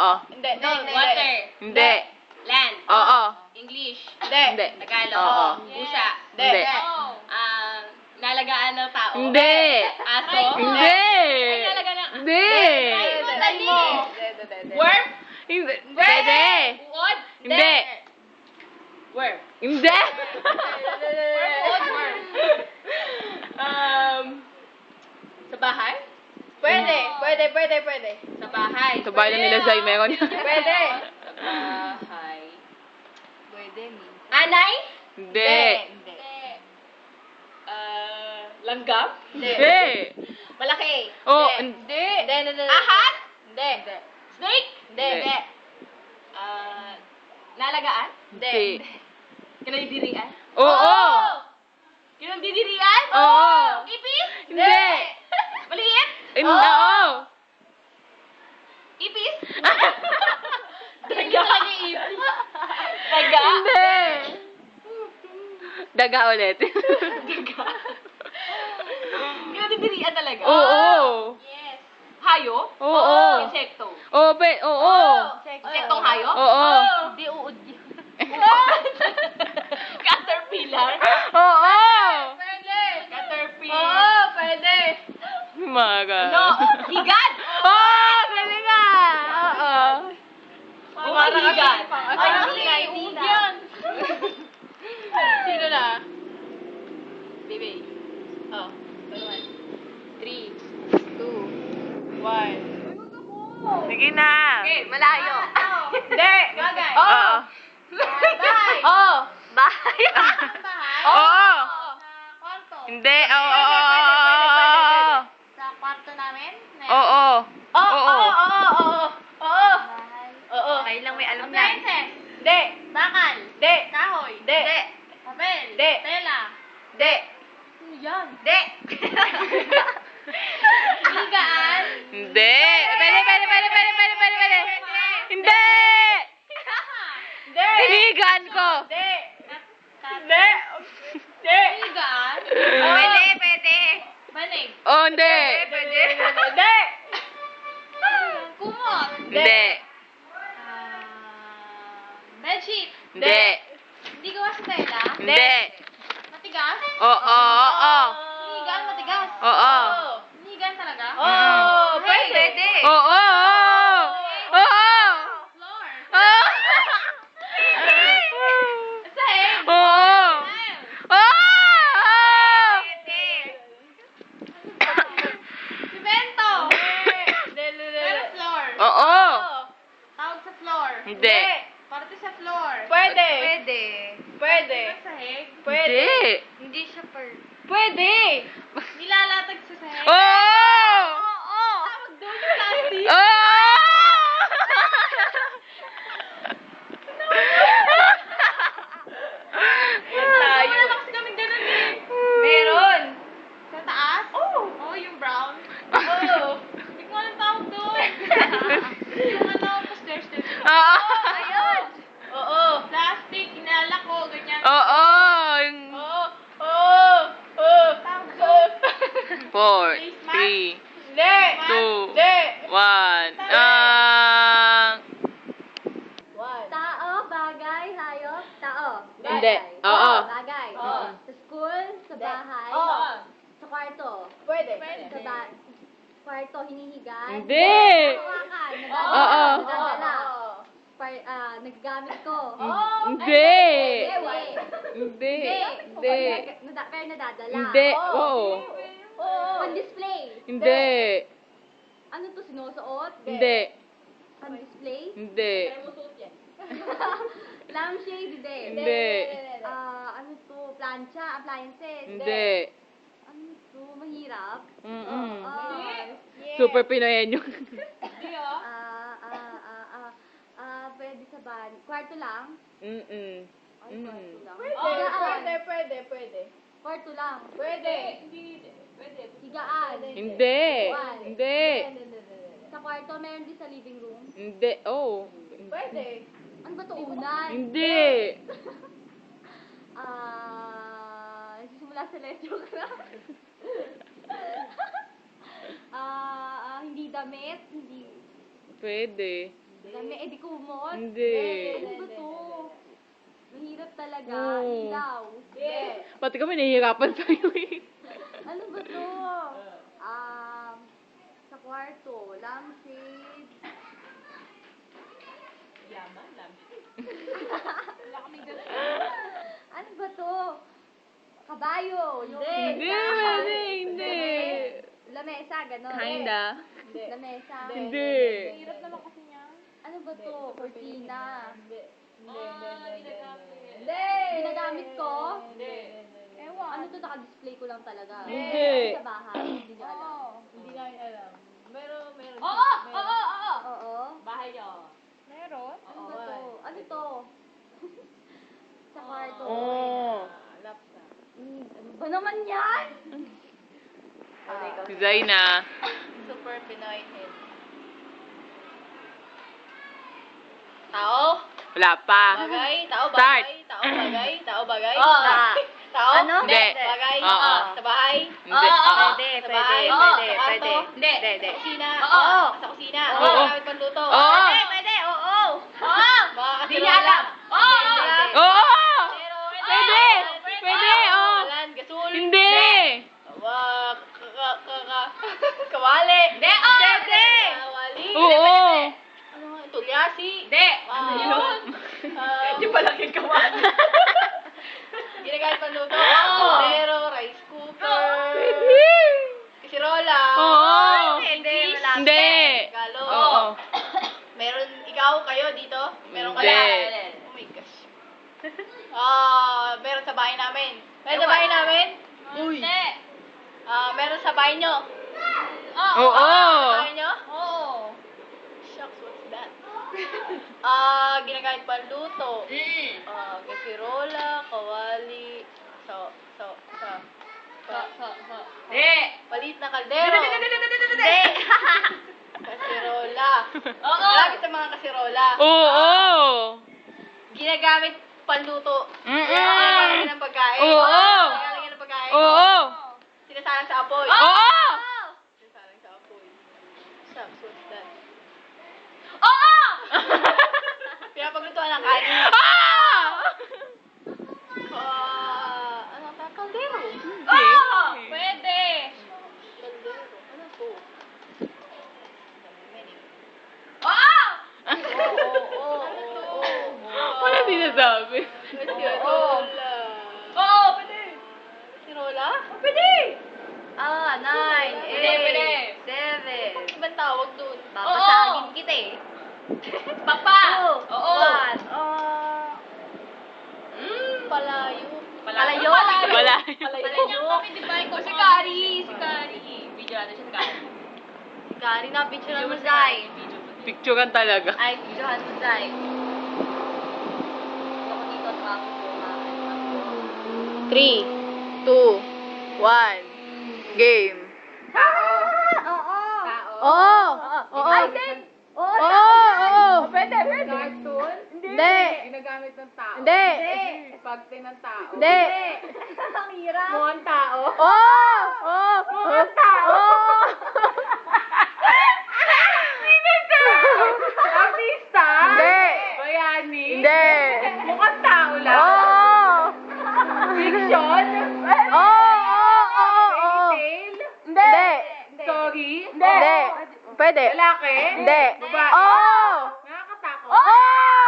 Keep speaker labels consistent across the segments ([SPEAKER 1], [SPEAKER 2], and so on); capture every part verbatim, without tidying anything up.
[SPEAKER 1] Hindi,
[SPEAKER 2] No,
[SPEAKER 1] hindi.
[SPEAKER 2] water.
[SPEAKER 3] Hindi.
[SPEAKER 2] Land.
[SPEAKER 3] Oo.
[SPEAKER 2] English.
[SPEAKER 1] Hindi.
[SPEAKER 3] Hindi.
[SPEAKER 2] Tagalog.
[SPEAKER 3] Oo.
[SPEAKER 2] Pusa.
[SPEAKER 3] Hindi.
[SPEAKER 2] Ah, nalagaan ng tao.
[SPEAKER 3] Hindi.
[SPEAKER 2] Aso.
[SPEAKER 3] Hindi.
[SPEAKER 2] Ay, nalagaan ng...
[SPEAKER 3] Hindi.
[SPEAKER 1] Try mo, try mo. Hindi, hindi, hindi.
[SPEAKER 2] Worm.
[SPEAKER 3] Hindi. Pwede.
[SPEAKER 2] Uod.
[SPEAKER 3] Hindi.
[SPEAKER 2] Worm.
[SPEAKER 3] Hindi.
[SPEAKER 2] Uod. Worm. Um, sa bahay?
[SPEAKER 1] Pwede, pwede, pwede, pwede.
[SPEAKER 2] Sa bahay.
[SPEAKER 3] Sa bahay na nila Zay, meron yan.
[SPEAKER 1] Pwede.
[SPEAKER 2] Sa bahay.
[SPEAKER 1] Pwede, mi.
[SPEAKER 2] Anay?
[SPEAKER 3] Hindi.
[SPEAKER 1] Hindi.
[SPEAKER 2] Ah, langgam?
[SPEAKER 3] Hindi.
[SPEAKER 2] Malaki.
[SPEAKER 3] Oh,
[SPEAKER 1] Hindi. Hindi, hindi, hindi.
[SPEAKER 2] Ahas?
[SPEAKER 1] Hindi.
[SPEAKER 2] Snake?
[SPEAKER 1] Hindi.
[SPEAKER 3] Hindi.
[SPEAKER 2] Ah, nalagaan?
[SPEAKER 3] Hindi.
[SPEAKER 2] Kinadidirian?
[SPEAKER 3] Oo.
[SPEAKER 2] Kinadidirian?
[SPEAKER 3] Oo.
[SPEAKER 2] Ipis?
[SPEAKER 3] Hindi.
[SPEAKER 2] Maliit?
[SPEAKER 3] Hindi. Oo.
[SPEAKER 2] Ipis?
[SPEAKER 1] Daga.
[SPEAKER 2] Daga?
[SPEAKER 3] Hindi. Daga ulit.
[SPEAKER 2] Daga? Kinadidirian talaga?
[SPEAKER 3] Oo.
[SPEAKER 2] Yes. Hayo?
[SPEAKER 3] Oo.
[SPEAKER 2] Insekto?
[SPEAKER 3] Oo, pe, oo.
[SPEAKER 2] Insektong hayo?
[SPEAKER 3] Oo.
[SPEAKER 1] Hindi uod yun.
[SPEAKER 2] Caterpillar?
[SPEAKER 3] Oo.
[SPEAKER 1] Pwede.
[SPEAKER 2] Caterpillar?
[SPEAKER 1] Oo, pwede.
[SPEAKER 3] Maga.
[SPEAKER 2] No, higad!
[SPEAKER 3] Oo, pwede nga. Oo.
[SPEAKER 2] Mga higad.
[SPEAKER 1] Ay,
[SPEAKER 2] Ay,
[SPEAKER 1] higad.
[SPEAKER 2] uod yan.
[SPEAKER 1] Sino na?
[SPEAKER 2] Baby.
[SPEAKER 1] Oh.
[SPEAKER 2] Three.
[SPEAKER 1] Two. One.
[SPEAKER 3] Sige na.
[SPEAKER 2] Okay, malayo.
[SPEAKER 1] Hindi.
[SPEAKER 2] Bagay.
[SPEAKER 3] Oo.
[SPEAKER 1] Bahay.
[SPEAKER 2] Oh.
[SPEAKER 3] Bahay.
[SPEAKER 1] Bahay.
[SPEAKER 3] Oo.
[SPEAKER 1] Sa kwarto.
[SPEAKER 3] Hindi. Oo.
[SPEAKER 1] Sa kwarto namin?
[SPEAKER 3] Oo.
[SPEAKER 1] Oo,
[SPEAKER 3] Oo.
[SPEAKER 1] oo, oo, oo. Oo.
[SPEAKER 2] Bahay.
[SPEAKER 1] Oo.
[SPEAKER 2] Kayo lang may alam na.
[SPEAKER 1] Appliances. Hindi.
[SPEAKER 2] Bakal.
[SPEAKER 1] Hindi.
[SPEAKER 2] Kahoy.
[SPEAKER 1] Hindi.
[SPEAKER 2] Papel.
[SPEAKER 1] Hindi.
[SPEAKER 2] Tela.
[SPEAKER 1] Hindi.
[SPEAKER 2] Ano yan?
[SPEAKER 1] Hindi.
[SPEAKER 2] Higaan.
[SPEAKER 3] Hindi. Pwede, pwede, pwede, pwede, pwede, pwede, pwede. Hindi.
[SPEAKER 1] Hindi.
[SPEAKER 3] Tinigan ko.
[SPEAKER 1] Hindi. Hindi. Hindi.
[SPEAKER 2] Higaan.
[SPEAKER 1] Pwede, pwede.
[SPEAKER 2] Banig.
[SPEAKER 3] Oh, hindi.
[SPEAKER 1] Pwede. Hindi.
[SPEAKER 2] Kumot.
[SPEAKER 3] Hindi.
[SPEAKER 2] Ah, bedsheet.
[SPEAKER 3] Hindi.
[SPEAKER 2] Hindi gawa sa tela.
[SPEAKER 3] Hindi.
[SPEAKER 2] Matigas.
[SPEAKER 3] Oo, oo, oo.
[SPEAKER 2] Higaan matigas.
[SPEAKER 3] Oo.
[SPEAKER 2] Higaan talaga.
[SPEAKER 1] Oh,
[SPEAKER 2] Hey,
[SPEAKER 1] pwede.
[SPEAKER 3] Oo, oo. Oo.
[SPEAKER 2] Floor.
[SPEAKER 3] Oo.
[SPEAKER 2] Sahig.
[SPEAKER 3] Oo. Oo.
[SPEAKER 2] Simento.
[SPEAKER 1] Hindi.
[SPEAKER 2] Pero floor.
[SPEAKER 3] Oo.
[SPEAKER 2] Tawag sa floor.
[SPEAKER 3] Hindi.
[SPEAKER 2] Parte sa floor.
[SPEAKER 1] Pwede.
[SPEAKER 2] Pwede.
[SPEAKER 1] Pwede.
[SPEAKER 2] Sahig.
[SPEAKER 1] Pwede.
[SPEAKER 3] Hindi.
[SPEAKER 2] Hindi siya per.
[SPEAKER 1] Pwede.
[SPEAKER 2] Nilalatag sa sahig.
[SPEAKER 3] Oo.
[SPEAKER 2] Oo. Tawag doon yung plastic.
[SPEAKER 3] Oo.
[SPEAKER 1] Tayo.
[SPEAKER 2] Wala kasi kaming ganun eh.
[SPEAKER 1] Meron.
[SPEAKER 2] Sa taas? Oo. Oh, yung brown. Oo. Hindi ko alam tawag doon. Yung ano, pa-stairs din.
[SPEAKER 3] Oo.
[SPEAKER 2] Ayun.
[SPEAKER 1] Oo.
[SPEAKER 2] Plastic, inalak ko, ganyan.
[SPEAKER 3] Oo. Yung
[SPEAKER 1] Oo. Oo. Oo.
[SPEAKER 2] Tawag doon.
[SPEAKER 3] four, three,
[SPEAKER 1] Hindi.
[SPEAKER 3] two,
[SPEAKER 1] Hindi.
[SPEAKER 3] one. Ah.
[SPEAKER 1] One.
[SPEAKER 4] Tao, bagay, hayop, tao.
[SPEAKER 3] Hindi.
[SPEAKER 4] Bagay.
[SPEAKER 3] Oo.
[SPEAKER 4] Bagay.
[SPEAKER 1] Oo.
[SPEAKER 4] Sa school, sa bahay,
[SPEAKER 1] Oo.
[SPEAKER 4] sa kwarto.
[SPEAKER 1] Pwede.
[SPEAKER 4] Sa ba- kwarto, hinihigan.
[SPEAKER 3] Hindi.
[SPEAKER 4] Hawakan,
[SPEAKER 1] Oo.
[SPEAKER 4] nadadala.
[SPEAKER 3] Oo.
[SPEAKER 4] Nadadala.
[SPEAKER 1] Oo.
[SPEAKER 4] Par- ah, nagagamit ko.
[SPEAKER 1] Oo.
[SPEAKER 3] Hindi.
[SPEAKER 4] Hindi.
[SPEAKER 3] Hindi.
[SPEAKER 4] Hindi.
[SPEAKER 3] Hindi.
[SPEAKER 4] Nada- pero nadadala.
[SPEAKER 3] Hindi.
[SPEAKER 1] Oo.
[SPEAKER 3] Oo.
[SPEAKER 1] Oo.
[SPEAKER 4] On display.
[SPEAKER 3] Hindi.
[SPEAKER 4] Ano to, sinusuot?
[SPEAKER 3] Hindi.
[SPEAKER 4] On display?
[SPEAKER 3] Hindi.
[SPEAKER 4] Lampshade, hindi.
[SPEAKER 3] Hindi.
[SPEAKER 4] Ah, ano to, plancha, appliances.
[SPEAKER 3] Hindi.
[SPEAKER 4] Ano to, mahirap.
[SPEAKER 3] Mm-mm.
[SPEAKER 4] Ah,
[SPEAKER 3] Super Pinoyen yun.
[SPEAKER 4] Ah, ah, ah, ah, ah, pwede sa ban. Kwarto lang?
[SPEAKER 3] Mm-mm.
[SPEAKER 4] Ay,
[SPEAKER 3] Mm.
[SPEAKER 4] kwarto lang.
[SPEAKER 1] Pwede.
[SPEAKER 4] Higaan.
[SPEAKER 1] Pwede. Pwede. Pwede.
[SPEAKER 4] Kwarto lang.
[SPEAKER 1] Pwede.
[SPEAKER 4] Higaan.
[SPEAKER 3] Hindi.
[SPEAKER 4] One.
[SPEAKER 3] Hindi.
[SPEAKER 4] Sa kwarto, meron din sa living room.
[SPEAKER 3] Hindi. Oh.
[SPEAKER 1] Pwede.
[SPEAKER 4] Ano ba to, unan?
[SPEAKER 3] Hindi.
[SPEAKER 4] Ah, nagsisimula sa lecho ka. Ah, ah, hindi damit, hindi,
[SPEAKER 3] Pwede.
[SPEAKER 4] Dami, eh di kumot.
[SPEAKER 3] Hindi.
[SPEAKER 4] Ano ba to? Mahirap talaga.
[SPEAKER 3] Oo.
[SPEAKER 4] Ilaw.
[SPEAKER 1] Hindi.
[SPEAKER 3] Pati kami nahihirapan sa'yo eh.
[SPEAKER 4] Ano ba to? Um, sa kwarto, lampshade.
[SPEAKER 2] Yaman lang. Wala kaming ganun.
[SPEAKER 4] Ano ba to? Kabayo. Yung
[SPEAKER 3] Hindi,
[SPEAKER 4] mesa.
[SPEAKER 3] hindi, hindi.
[SPEAKER 4] Lamesa, gano'n.
[SPEAKER 3] Kinda.
[SPEAKER 1] Hindi.
[SPEAKER 4] Lamesa.
[SPEAKER 3] Hindi.
[SPEAKER 2] Hirap naman kasi niya.
[SPEAKER 4] Ano ba to? Cortina.
[SPEAKER 1] Hindi. Hindi.
[SPEAKER 2] Ah,
[SPEAKER 1] Hindi.
[SPEAKER 2] ginagamit.
[SPEAKER 1] Hindi.
[SPEAKER 4] Ginagamit ko?
[SPEAKER 2] Hindi.
[SPEAKER 4] Ewan. Ano to? Naka-display ko lang talaga.
[SPEAKER 3] Hindi.
[SPEAKER 4] Sa bahay. Hindi nyo alam.
[SPEAKER 1] Hindi namin alam. Meron, meron.
[SPEAKER 2] Oo! Oo!
[SPEAKER 1] meron.
[SPEAKER 2] Oo! Oo!
[SPEAKER 4] Oo.
[SPEAKER 2] Bahay niyo.
[SPEAKER 1] Meron?
[SPEAKER 4] Ano ba to? Ano to? Sa kwarto.
[SPEAKER 3] Oh.
[SPEAKER 1] Laptop.
[SPEAKER 4] Hmm, ano ba naman yan?
[SPEAKER 3] Si Zaina.
[SPEAKER 1] Super Pinoy head. Tao?
[SPEAKER 3] Wala pa.
[SPEAKER 1] Bagay? Tao
[SPEAKER 3] Start.
[SPEAKER 1] bagay? Tao bagay? Tao bagay?
[SPEAKER 4] Oo.
[SPEAKER 1] Tao?
[SPEAKER 4] Ano?
[SPEAKER 3] Hindi.
[SPEAKER 1] Bagay?
[SPEAKER 3] Oo.
[SPEAKER 1] Sa bahay?
[SPEAKER 3] Hindi. Oo.
[SPEAKER 4] Pwede,
[SPEAKER 1] Sa
[SPEAKER 4] pwede,
[SPEAKER 1] bahay?
[SPEAKER 4] pwede,
[SPEAKER 1] Sa
[SPEAKER 4] pwede.
[SPEAKER 1] kwarto?
[SPEAKER 3] Hindi. Hindi.
[SPEAKER 1] Sa kusina?
[SPEAKER 2] Oo.
[SPEAKER 1] Sa kusina?
[SPEAKER 3] Oo.
[SPEAKER 1] Mga gamit panluto?
[SPEAKER 3] Oo.
[SPEAKER 1] Pwede,
[SPEAKER 4] Pwede, oo.
[SPEAKER 2] Oo!
[SPEAKER 1] Mga
[SPEAKER 2] Hindi niya alam. Oo!
[SPEAKER 1] Kasirola?
[SPEAKER 3] Oo!
[SPEAKER 1] Pero,
[SPEAKER 3] Pwede! Pwede, oo.
[SPEAKER 1] Walan, gasul?
[SPEAKER 3] Hindi!
[SPEAKER 1] Wa, ka, ka, ka, kawali?
[SPEAKER 2] Hindi, oo.
[SPEAKER 1] Pwede! Kawali?
[SPEAKER 3] Oo!
[SPEAKER 1] Ano nga, tulyasi?
[SPEAKER 2] Hindi!
[SPEAKER 1] Ano
[SPEAKER 2] yun?
[SPEAKER 1] Um,
[SPEAKER 2] Yung palaking kawan.
[SPEAKER 1] Ginagamit panluto?
[SPEAKER 2] Oo.
[SPEAKER 1] Pero, rice cooker? Kasirola?
[SPEAKER 3] Oo!
[SPEAKER 4] Hindi, wala.
[SPEAKER 3] Hindi!
[SPEAKER 1] Galo?
[SPEAKER 3] Oo.
[SPEAKER 1] Meron, ikaw, kayo dito? Meron ka
[SPEAKER 3] Hindi.
[SPEAKER 1] lang? Oh my gosh. Ah, meron sa bahay namin. Meron sa bahay namin?
[SPEAKER 2] Hindi.
[SPEAKER 1] Ah, meron sa bahay nyo?
[SPEAKER 2] Oo.
[SPEAKER 3] Oo!
[SPEAKER 1] Sa bahay nyo?
[SPEAKER 2] Oo.
[SPEAKER 1] Shucks, what's that? Ah, ginagamit panluto.
[SPEAKER 2] Mm.
[SPEAKER 1] Ah, kasirola, kawali, so, so, so,
[SPEAKER 2] So,
[SPEAKER 1] so,
[SPEAKER 2] so, so. Hindi.
[SPEAKER 1] maliit na kaldero.
[SPEAKER 2] Hindi.
[SPEAKER 1] Kasirola.
[SPEAKER 2] Oo.
[SPEAKER 1] Gamit sa mga kasirola.
[SPEAKER 3] Oo!
[SPEAKER 1] Ginagamit panluto.
[SPEAKER 3] Mm-mm.
[SPEAKER 1] Ginagamit ng pagkain.
[SPEAKER 3] Oo.
[SPEAKER 1] Ginagamit ng pagkain.
[SPEAKER 3] Oo!
[SPEAKER 1] Sinasalang sa apoy.
[SPEAKER 3] Oo!
[SPEAKER 1] Sinasalang sa apoy. Shucks, what's that?
[SPEAKER 2] Oo!
[SPEAKER 1] Pinapaglutuan ng kanin.
[SPEAKER 3] Ah!
[SPEAKER 1] Ah, ano pa? Kaldero.
[SPEAKER 2] Oo! Pwede.
[SPEAKER 1] Kaldero. Ano po? Many.
[SPEAKER 2] Oo!
[SPEAKER 1] Oo, oo, oo, oo.
[SPEAKER 3] Wala sinasabi.
[SPEAKER 1] Kasirola.
[SPEAKER 2] Oo, pwede.
[SPEAKER 1] Kasirola?
[SPEAKER 2] Pwede.
[SPEAKER 4] Ah, nine,
[SPEAKER 2] Pwede, pwede.
[SPEAKER 4] eight, seven.
[SPEAKER 1] Ibang tawag dun.
[SPEAKER 4] Babasagin kita eh.
[SPEAKER 2] Papa.
[SPEAKER 4] Two,
[SPEAKER 2] Oo.
[SPEAKER 4] one. Ah,
[SPEAKER 2] Mm.
[SPEAKER 1] Palayo.
[SPEAKER 4] Palayo.
[SPEAKER 3] Wala.
[SPEAKER 2] Palayo kami, di ba? Ikaw si Kari. Si Kari. Video natin siya si Kari.
[SPEAKER 4] si Kari na, picture mo, Zay.
[SPEAKER 3] Picturean talaga.
[SPEAKER 4] Ay, picturehan mo, Zay. Gusto ko dito, traffic ko, ha?
[SPEAKER 3] Three, two, one, game.
[SPEAKER 4] Oo.
[SPEAKER 3] Oo! Oo!
[SPEAKER 4] Ay, then, oo.
[SPEAKER 3] Oo! Oo!
[SPEAKER 1] Pwede, pwede. Cartoon?
[SPEAKER 3] Hindi!
[SPEAKER 1] Ginagamit ng tao.
[SPEAKER 3] Hindi!
[SPEAKER 1] Pagte ng tao.
[SPEAKER 3] Hindi!
[SPEAKER 4] Ang hirap.
[SPEAKER 1] Mukhang tao.
[SPEAKER 3] Oo! Oo!
[SPEAKER 1] Mukhang tao.
[SPEAKER 3] Oo!
[SPEAKER 1] Artista?
[SPEAKER 3] Hindi!
[SPEAKER 1] Bayani?
[SPEAKER 3] Hindi!
[SPEAKER 1] Mukhang tao lang.
[SPEAKER 3] Oo!
[SPEAKER 1] Fiction?
[SPEAKER 3] Oo! Oo! Oo! Oo!
[SPEAKER 1] Tale?
[SPEAKER 3] Hindi!
[SPEAKER 1] Story?
[SPEAKER 3] Hindi! Pwede!
[SPEAKER 1] Lalaki?
[SPEAKER 3] Hindi!
[SPEAKER 1] Babae?
[SPEAKER 3] Oo!
[SPEAKER 1] Nakakatakot?
[SPEAKER 3] Oo!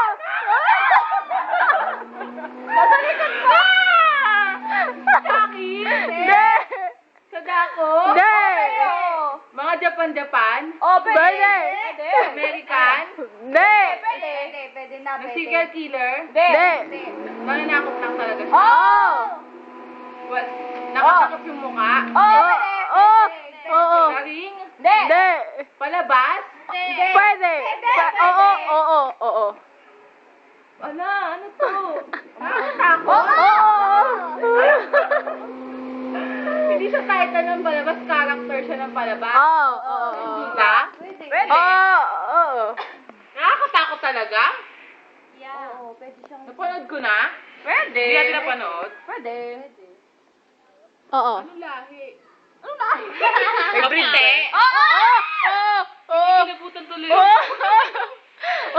[SPEAKER 1] Jackie?
[SPEAKER 3] Hindi!
[SPEAKER 1] Sadako?
[SPEAKER 3] Hindi!
[SPEAKER 1] Mga Japan-Japan?
[SPEAKER 3] Oh, pwede!
[SPEAKER 1] American?
[SPEAKER 3] Hindi!
[SPEAKER 4] Pwede, pwede, pwede na,
[SPEAKER 1] Ng
[SPEAKER 4] pwede.
[SPEAKER 1] serial killer?
[SPEAKER 3] Hindi!
[SPEAKER 1] Mananakot lang talaga siya.
[SPEAKER 3] Oo!
[SPEAKER 1] Well, nakatakot yung mukha.
[SPEAKER 3] Oo! Oo! Oo!
[SPEAKER 1] Garing?
[SPEAKER 3] Hindi!
[SPEAKER 1] Palabas?
[SPEAKER 3] Pwede! Pa- Oo! Oo! Oo!
[SPEAKER 1] Ala, ano to? Nakakatakot?
[SPEAKER 3] Oo!
[SPEAKER 1] Hindi siya title ng palabas, character siya ng palabas.
[SPEAKER 3] Oo! Oo!
[SPEAKER 1] Hindi ba?
[SPEAKER 4] Pwede.
[SPEAKER 3] Oo! Oo!
[SPEAKER 1] Nakakatakot talaga?
[SPEAKER 4] Yeah. Oo, pwede siyang...
[SPEAKER 1] Napanood ko na?
[SPEAKER 3] Pwede!
[SPEAKER 1] Hindi natin napanood?
[SPEAKER 3] Pwede! Oo!
[SPEAKER 1] Ano lahi?
[SPEAKER 3] Everyday!
[SPEAKER 2] Oo!
[SPEAKER 3] Oo! Oo!
[SPEAKER 1] Kinabutan tuloy.
[SPEAKER 3] Oo!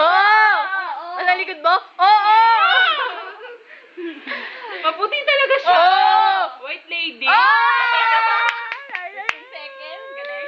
[SPEAKER 3] mo? Oo!
[SPEAKER 2] Maputi talaga siya.
[SPEAKER 3] Oo!
[SPEAKER 2] White lady.
[SPEAKER 3] Ah!
[SPEAKER 2] Seconds, galing.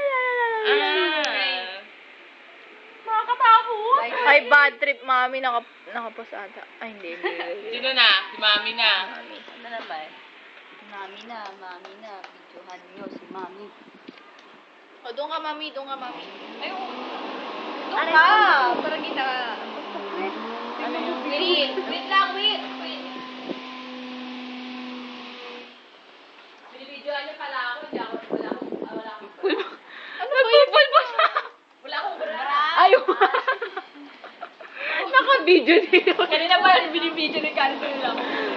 [SPEAKER 3] Ah.
[SPEAKER 2] Makakatakot.
[SPEAKER 3] Ay, bad trip, mami. Naka, nakapos ata. Ay, hindi, hindi. hindi.
[SPEAKER 2] Sino na? Si Mami na.
[SPEAKER 3] Mami.
[SPEAKER 2] Ano naman?
[SPEAKER 4] Mami na, mami na. Videohan niyo si mami.
[SPEAKER 1] O, doon ka, mami. Doon ka, mami.
[SPEAKER 2] Ayun.
[SPEAKER 1] Doon ka. Para kita.
[SPEAKER 2] Ano yung
[SPEAKER 1] Wait. Wait lang, wait. Wait. Binibidyoan niyo pala ako. Hindi ako, wala akong, ah, wala akong.
[SPEAKER 3] Ano ba yun? Pulpo siya.
[SPEAKER 1] Wala akong bra.
[SPEAKER 3] Ayaw. Naka-video dito.
[SPEAKER 1] Kanina pa, binibidyo ni cancel lang.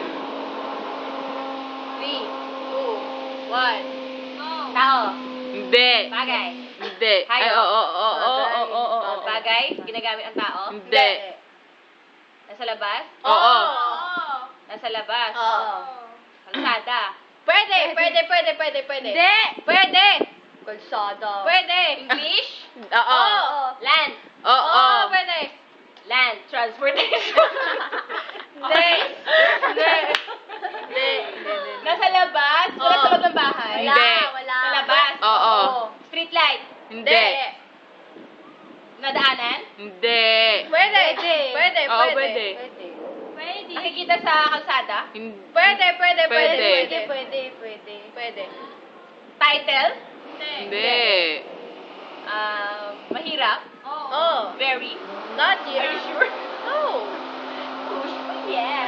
[SPEAKER 1] Three, two, one. Tao.
[SPEAKER 3] Hindi.
[SPEAKER 1] Bagay.
[SPEAKER 3] Hindi. Ay,
[SPEAKER 1] Hayop.
[SPEAKER 3] oo, oo, oo, oo, oo, oo, oo.
[SPEAKER 1] Bagay. Ginagamit ang tao.
[SPEAKER 3] Hindi.
[SPEAKER 1] Nasa labas.
[SPEAKER 3] Oo.
[SPEAKER 1] Nasa labas.
[SPEAKER 4] Oo.
[SPEAKER 1] Kalsada. Pwede, pwede, pwede, pwede, pwede.
[SPEAKER 3] Hindi.
[SPEAKER 1] Pwede.
[SPEAKER 4] Kalsada.
[SPEAKER 1] Pwede. English?
[SPEAKER 3] Oo.
[SPEAKER 1] Land.
[SPEAKER 3] Oo.
[SPEAKER 1] Oo, pwede. Land. Transportation. Hindi. Hindi. Hindi. Nasa labas? Wala sa loob ng bahay?
[SPEAKER 3] Hindi.
[SPEAKER 4] Wala.
[SPEAKER 1] Sa labas?
[SPEAKER 3] Oo.
[SPEAKER 1] Street light?
[SPEAKER 3] Hindi.
[SPEAKER 1] Nadaanan?
[SPEAKER 3] Hindi.
[SPEAKER 1] Pwede. Pwede,
[SPEAKER 3] Oo,
[SPEAKER 1] pwede.
[SPEAKER 3] pwede.
[SPEAKER 4] Pwede.
[SPEAKER 1] Pwede. Nakikita sa kalsada?
[SPEAKER 3] Hindi.
[SPEAKER 1] Pwede, pwede, pwede.
[SPEAKER 3] Pwede.
[SPEAKER 1] Pwede, pwede, pwede. Pwede. Title?
[SPEAKER 3] Hindi.
[SPEAKER 1] Ah, mahirap?
[SPEAKER 2] Oo.
[SPEAKER 1] Oh. Very? Not yet. Are you sure? No. Push. Yes.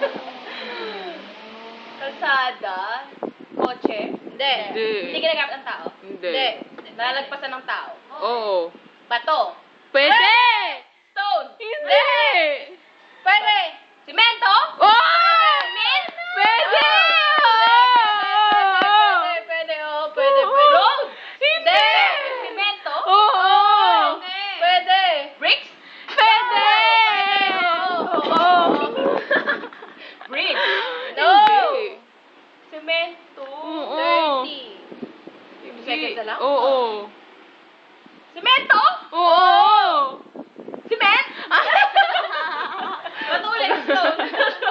[SPEAKER 1] Kalsada? Kotse? Hindi.
[SPEAKER 3] Hindi.
[SPEAKER 1] Hindi ginagamit ng tao?
[SPEAKER 3] Hindi.
[SPEAKER 1] Nalalagpasan ng tao?
[SPEAKER 3] Oo.
[SPEAKER 1] Bato?
[SPEAKER 3] Pwede!
[SPEAKER 1] Stone?
[SPEAKER 3] Hindi!
[SPEAKER 1] Pwede. Simento?
[SPEAKER 3] Oh!
[SPEAKER 1] Cement?
[SPEAKER 3] Pwede!
[SPEAKER 1] Pwede, pwede, oh, pwede, pwede. Road?
[SPEAKER 3] Hindi!
[SPEAKER 1] Simento?
[SPEAKER 3] Oo!
[SPEAKER 1] Pwede. Bricks?
[SPEAKER 3] Pwede! Oo!
[SPEAKER 1] Bridge? No.
[SPEAKER 3] Hindi.
[SPEAKER 1] Semento.
[SPEAKER 3] Oo.
[SPEAKER 1] thirty.
[SPEAKER 3] Hindi.
[SPEAKER 1] Seconds na lang?
[SPEAKER 3] Oo.
[SPEAKER 1] Semento?
[SPEAKER 3] Oo!
[SPEAKER 1] Cement? Matuloy. Stone.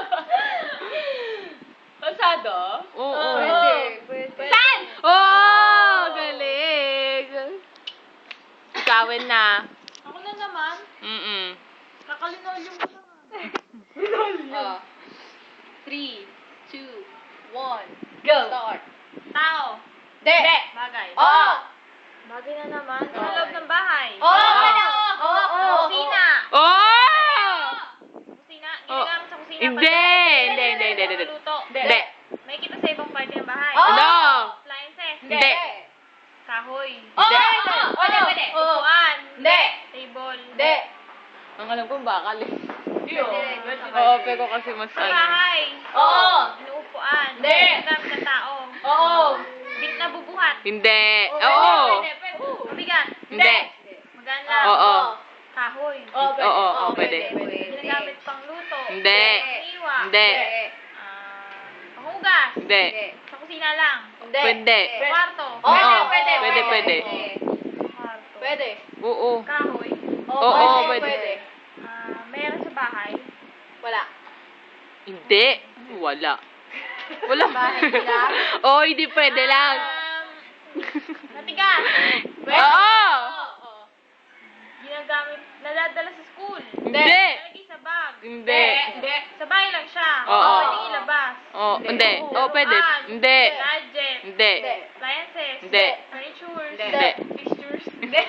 [SPEAKER 1] Kalsado?
[SPEAKER 3] Oo.
[SPEAKER 1] Pwede.
[SPEAKER 4] Pwede.
[SPEAKER 1] Sand?
[SPEAKER 3] Oh! Galing! Ikawin na.
[SPEAKER 2] Ako na naman.
[SPEAKER 3] Mm-mm.
[SPEAKER 2] Nakalinolyo mo na nga.
[SPEAKER 1] Oh. Three, two, one, go. Start.
[SPEAKER 2] Tao.
[SPEAKER 1] De.
[SPEAKER 2] Bagay.
[SPEAKER 1] Oh.
[SPEAKER 2] Bagay na naman. Sa
[SPEAKER 1] Oo.
[SPEAKER 2] loob ng bahay.
[SPEAKER 1] Oh. Oh. Oh.
[SPEAKER 2] Kusina.
[SPEAKER 3] Oh!
[SPEAKER 2] Kusina. Ginagamit sa kusina.
[SPEAKER 3] Hindi.
[SPEAKER 2] Pag-
[SPEAKER 3] Hindi, hindi, hindi, hindi.
[SPEAKER 2] Luto.
[SPEAKER 3] Hindi.
[SPEAKER 2] May kita sa ibang parte ng bahay.
[SPEAKER 1] Oh.
[SPEAKER 3] Ano?
[SPEAKER 2] Appliances.
[SPEAKER 3] Hindi.
[SPEAKER 2] Kahoy.
[SPEAKER 1] Oh.
[SPEAKER 3] Hindi.
[SPEAKER 1] Oh. Pwede, pwede.
[SPEAKER 2] Upuan.
[SPEAKER 1] Hindi.
[SPEAKER 2] Table.
[SPEAKER 1] Hindi.
[SPEAKER 3] Ang alam ko bakal eh.
[SPEAKER 1] Pwede.
[SPEAKER 3] Oo, pero kasi mas
[SPEAKER 2] Sa
[SPEAKER 3] ano.
[SPEAKER 2] bahay.
[SPEAKER 1] Oo.
[SPEAKER 2] Inuupuan.
[SPEAKER 1] Hindi.
[SPEAKER 2] Ginagamit ng tao.
[SPEAKER 1] Oo.
[SPEAKER 2] Bit na bubuhat.
[SPEAKER 3] Hindi.
[SPEAKER 1] Pwede,
[SPEAKER 3] Oo.
[SPEAKER 1] pwede, pwede.
[SPEAKER 2] Mabigat.
[SPEAKER 3] Hindi.
[SPEAKER 2] Magaan lang.
[SPEAKER 3] Oo.
[SPEAKER 2] Kahoy.
[SPEAKER 1] Oh, pwede.
[SPEAKER 3] Oo,
[SPEAKER 1] Oh,
[SPEAKER 3] oo, pwede.
[SPEAKER 2] Ginagamit pang luto.
[SPEAKER 3] Hindi.
[SPEAKER 2] Iwa.
[SPEAKER 3] Hindi.
[SPEAKER 2] Ah, panghugas.
[SPEAKER 3] Hindi.
[SPEAKER 2] Sa kusina lang.
[SPEAKER 1] Hindi.
[SPEAKER 3] Pwede.
[SPEAKER 2] Kwarto.
[SPEAKER 1] Oo,
[SPEAKER 3] Oo.
[SPEAKER 1] pwede,
[SPEAKER 3] Pwede, pwede.
[SPEAKER 2] Kwarto.
[SPEAKER 1] Pwede.
[SPEAKER 3] Oo.
[SPEAKER 2] Kahoy.
[SPEAKER 3] Oo,
[SPEAKER 1] pwede,
[SPEAKER 3] pwede.
[SPEAKER 1] pwede.
[SPEAKER 2] Ah, meron sa bahay.
[SPEAKER 1] Wala.
[SPEAKER 3] Hindi. Wala. Wala.
[SPEAKER 1] Bahay nila?
[SPEAKER 3] Oo, hindi pwede lang.
[SPEAKER 2] Um, matigas.
[SPEAKER 3] Oo.
[SPEAKER 1] Oo.
[SPEAKER 2] Ginagamit, nadadala sa school.
[SPEAKER 3] Hindi.
[SPEAKER 2] Nalagay sa bag.
[SPEAKER 3] Hindi.
[SPEAKER 1] Hindi.
[SPEAKER 2] Sa bahay lang siya.
[SPEAKER 3] Oo.
[SPEAKER 2] Pwedeng ilabas.
[SPEAKER 3] Oo, hindi. Oo, pwede.
[SPEAKER 2] Laruan.
[SPEAKER 3] Hindi.
[SPEAKER 2] Gadget.
[SPEAKER 3] Hindi.
[SPEAKER 2] Appliances.
[SPEAKER 3] Hindi.
[SPEAKER 2] Furnitures.
[SPEAKER 3] Hindi.
[SPEAKER 2] Fixtures.
[SPEAKER 1] Hindi.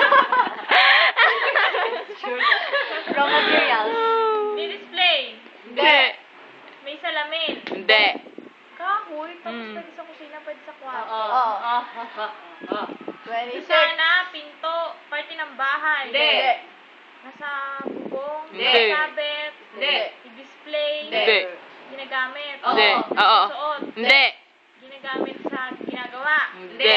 [SPEAKER 4] Raw materials.
[SPEAKER 2] Di-display.
[SPEAKER 3] Hindi.
[SPEAKER 2] May salamin.
[SPEAKER 3] Hindi.
[SPEAKER 2] Kahoy. Tapos
[SPEAKER 3] Mm.
[SPEAKER 2] pwede sa kusina, pwede sa kwarto.
[SPEAKER 1] Oo. Oo. twenty-six.
[SPEAKER 2] Sana, pinto, parte ng bahay.
[SPEAKER 1] Hindi.
[SPEAKER 2] Nasa bubong.
[SPEAKER 3] Hindi.
[SPEAKER 2] Sabit.
[SPEAKER 1] Hindi.
[SPEAKER 2] I-display.
[SPEAKER 3] Hindi.
[SPEAKER 2] Ginagamit.
[SPEAKER 3] Hindi. Oo.
[SPEAKER 2] Suot.
[SPEAKER 3] Hindi.
[SPEAKER 2] Ginagamit sa ginagawa.
[SPEAKER 3] Hindi.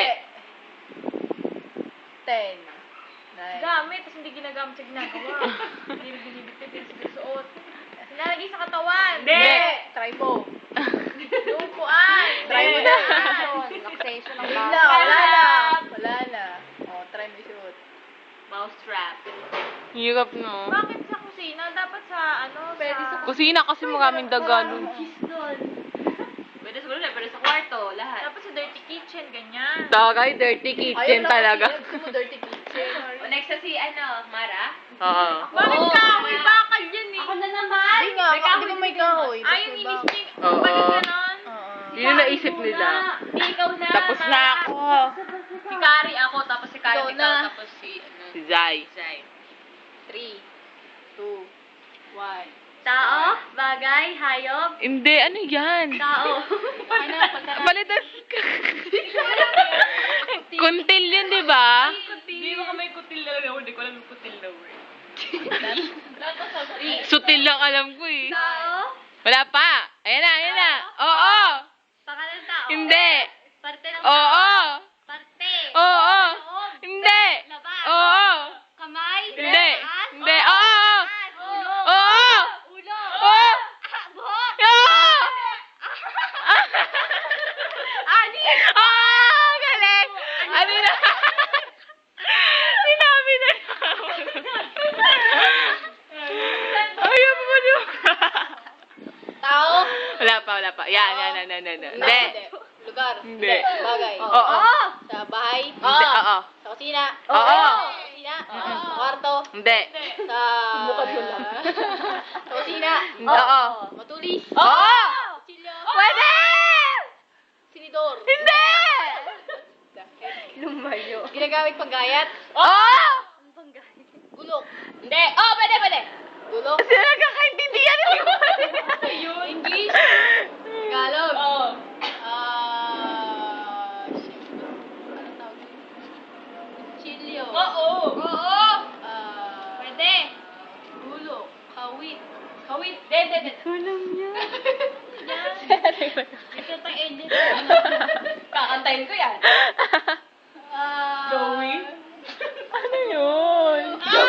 [SPEAKER 1] Ten. Nine.
[SPEAKER 2] Gamit, tapos hindi ginagamit sa ginagawa. Hindi rin binibigay, hindi rin suot. Sinalagay sa katawan.
[SPEAKER 1] Hindi. Try mo.
[SPEAKER 2] Lupuan.
[SPEAKER 1] Try mo na.
[SPEAKER 4] Relaxation ng
[SPEAKER 1] Wala
[SPEAKER 4] bata.
[SPEAKER 1] na. Wala na. Wala na. Oh, try mo isuot.
[SPEAKER 2] Mouse trap.
[SPEAKER 3] Hirap no.
[SPEAKER 2] Bakit sa kusina? kusina, dapat sa ano,
[SPEAKER 1] Pwede
[SPEAKER 2] sa...
[SPEAKER 1] sa
[SPEAKER 3] Kusina kasi maraming daga nun.
[SPEAKER 1] Pwede siguro na, pwede sa kwarto, lahat.
[SPEAKER 2] Dapat sa dirty kitchen, ganyan.
[SPEAKER 3] Tagay, dirty kitchen talaga.
[SPEAKER 1] Gusto mo dirty kitchen. O, next na si, ano, Mara?
[SPEAKER 3] Oo.
[SPEAKER 2] Bakit
[SPEAKER 1] Oo,
[SPEAKER 2] kahoy?
[SPEAKER 1] Mara.
[SPEAKER 2] Bakal yan eh.
[SPEAKER 4] Ako na naman!
[SPEAKER 1] Hindi nga,
[SPEAKER 2] May kahoy
[SPEAKER 1] hindi ko may kahoy.
[SPEAKER 2] Ay, yung inis niya.
[SPEAKER 3] Oo.
[SPEAKER 2] Bakit ganon?
[SPEAKER 3] Yun yung naisip nila.
[SPEAKER 1] Hindi, ikaw na.
[SPEAKER 3] Tapos na
[SPEAKER 1] Mara.
[SPEAKER 3] ako.
[SPEAKER 1] Si Kari ako, tapos si Kari
[SPEAKER 4] Ikaw
[SPEAKER 1] ikaw,
[SPEAKER 4] na.
[SPEAKER 1] tapos si, ano,
[SPEAKER 3] Si Zai.
[SPEAKER 1] Zay. Three, two, one.
[SPEAKER 4] Tao, bagay, hayop,
[SPEAKER 3] Hindi, ano yan?
[SPEAKER 4] tao.
[SPEAKER 1] Ano, pagka...
[SPEAKER 3] Balitas ka. Kuntil yun, di ba?
[SPEAKER 1] Hindi mo may kutil na lang. Hindi ko alam yung kutil na word.
[SPEAKER 3] Sutil lang alam ko eh.
[SPEAKER 4] Tao,
[SPEAKER 3] Wala pa. Ayan na, ayan na. Oo.
[SPEAKER 4] pangalan tao.
[SPEAKER 3] Hindi.
[SPEAKER 4] Parte ng tao.
[SPEAKER 3] Oo.
[SPEAKER 4] Parte.
[SPEAKER 3] Oo.
[SPEAKER 4] Loob.
[SPEAKER 3] Hindi.
[SPEAKER 4] Labas.
[SPEAKER 3] Oo.
[SPEAKER 4] Kamay.
[SPEAKER 3] Hindi.
[SPEAKER 4] Taas.
[SPEAKER 3] Hindi. Oo.
[SPEAKER 4] Taas. Ulo.
[SPEAKER 3] Oo.
[SPEAKER 4] Ulo.
[SPEAKER 3] Oo.
[SPEAKER 4] Ah, buhok.
[SPEAKER 3] Oo.
[SPEAKER 4] Ani.
[SPEAKER 3] Ah, galing. Ano na? Sinabi na Ayaw mo ba niyo?
[SPEAKER 1] Tao?
[SPEAKER 3] Wala pa, wala pa. Yan, yan, yan, yan, yan. Hindi.
[SPEAKER 1] Lugar?
[SPEAKER 3] Hindi.
[SPEAKER 1] Bagay?
[SPEAKER 3] Oo.
[SPEAKER 1] Sa bahay?
[SPEAKER 3] Hindi, oo.
[SPEAKER 1] Sa kusina?
[SPEAKER 3] Oo.
[SPEAKER 1] Sa kusina? Sa kwarto?
[SPEAKER 3] Hindi.
[SPEAKER 1] Sa... Bukad mo lang. Sa kusina?
[SPEAKER 3] Oo.
[SPEAKER 1] Matulis?
[SPEAKER 3] Oo.
[SPEAKER 1] Kutsilyo?
[SPEAKER 3] Pwede!
[SPEAKER 1] Sinidor?
[SPEAKER 3] Hindi!
[SPEAKER 4] Lumayo.
[SPEAKER 1] Ginagamit panggayat?
[SPEAKER 3] Oo!
[SPEAKER 1] Gulok? Hindi. Oh, pwede, pwede. Gulok?
[SPEAKER 3] Sila nagkakaintindihan mo.
[SPEAKER 1] English? Tagalog? Oo. Ah... shit. Ano tawag yun? Kutsilyo? Oo. Oo. Ah...
[SPEAKER 2] Pwede.
[SPEAKER 1] Gulok? Kawit? Kawit? Hindi, hindi, hindi.
[SPEAKER 3] Walang yan.
[SPEAKER 2] Ito tayong edit.
[SPEAKER 1] Kakantayin ko yan. Ah...
[SPEAKER 3] Joey? Ano yun?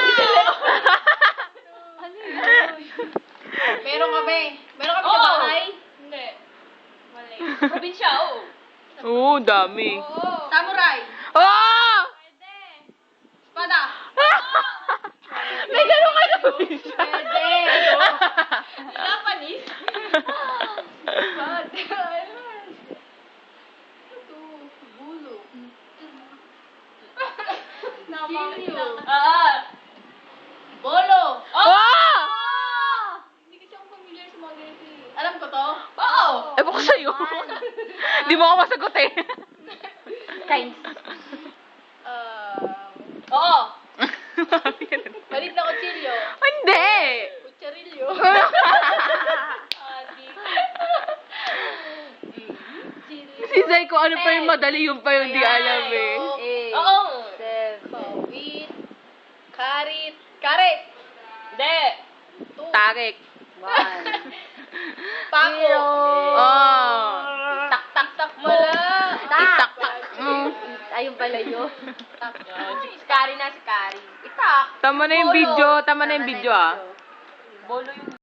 [SPEAKER 1] Meron kami. Meron kami sa bahay.
[SPEAKER 2] Hindi. Mali.
[SPEAKER 1] Probinsya, oo.
[SPEAKER 3] Oo, dami.
[SPEAKER 2] Oo.
[SPEAKER 1] Samurai.
[SPEAKER 3] Oo!
[SPEAKER 2] Pwede.
[SPEAKER 1] Espada.
[SPEAKER 3] May gano'n ka na
[SPEAKER 1] Pwede. Japanese. Bad. Ito. Gulo. Kilo. Ah. Bolo.
[SPEAKER 3] Oo!
[SPEAKER 1] Hindi kasi ako familiar sa mga ganito eh. Alam ko to? Oo.
[SPEAKER 3] Ewan ko sa'yo. Di mo ako masagot eh.
[SPEAKER 4] Times.
[SPEAKER 1] Ah. Oo. Palit na kutsilyo.
[SPEAKER 3] Hindi!
[SPEAKER 1] Kutsarilyo. Adi.
[SPEAKER 3] Si Zay ko ano pa yung madali, yung pa yung di alam eh.
[SPEAKER 4] Eight.
[SPEAKER 1] Oo.
[SPEAKER 4] Seven.
[SPEAKER 1] Kawit. Karit. Karit. Hindi. Two.
[SPEAKER 3] Tarik.
[SPEAKER 4] One.
[SPEAKER 1] Pako.
[SPEAKER 4] Zero.
[SPEAKER 3] Oh.
[SPEAKER 1] Tak tak tak pala.
[SPEAKER 3] Tak, tak. Mm.
[SPEAKER 4] Ayun pala yun.
[SPEAKER 1] Tak. Si Kari na si Kari. Itak.
[SPEAKER 3] Tama na yung video, tama na yung
[SPEAKER 4] Tama na
[SPEAKER 3] video
[SPEAKER 4] yung
[SPEAKER 3] ah.
[SPEAKER 4] video.
[SPEAKER 1] Bolo yung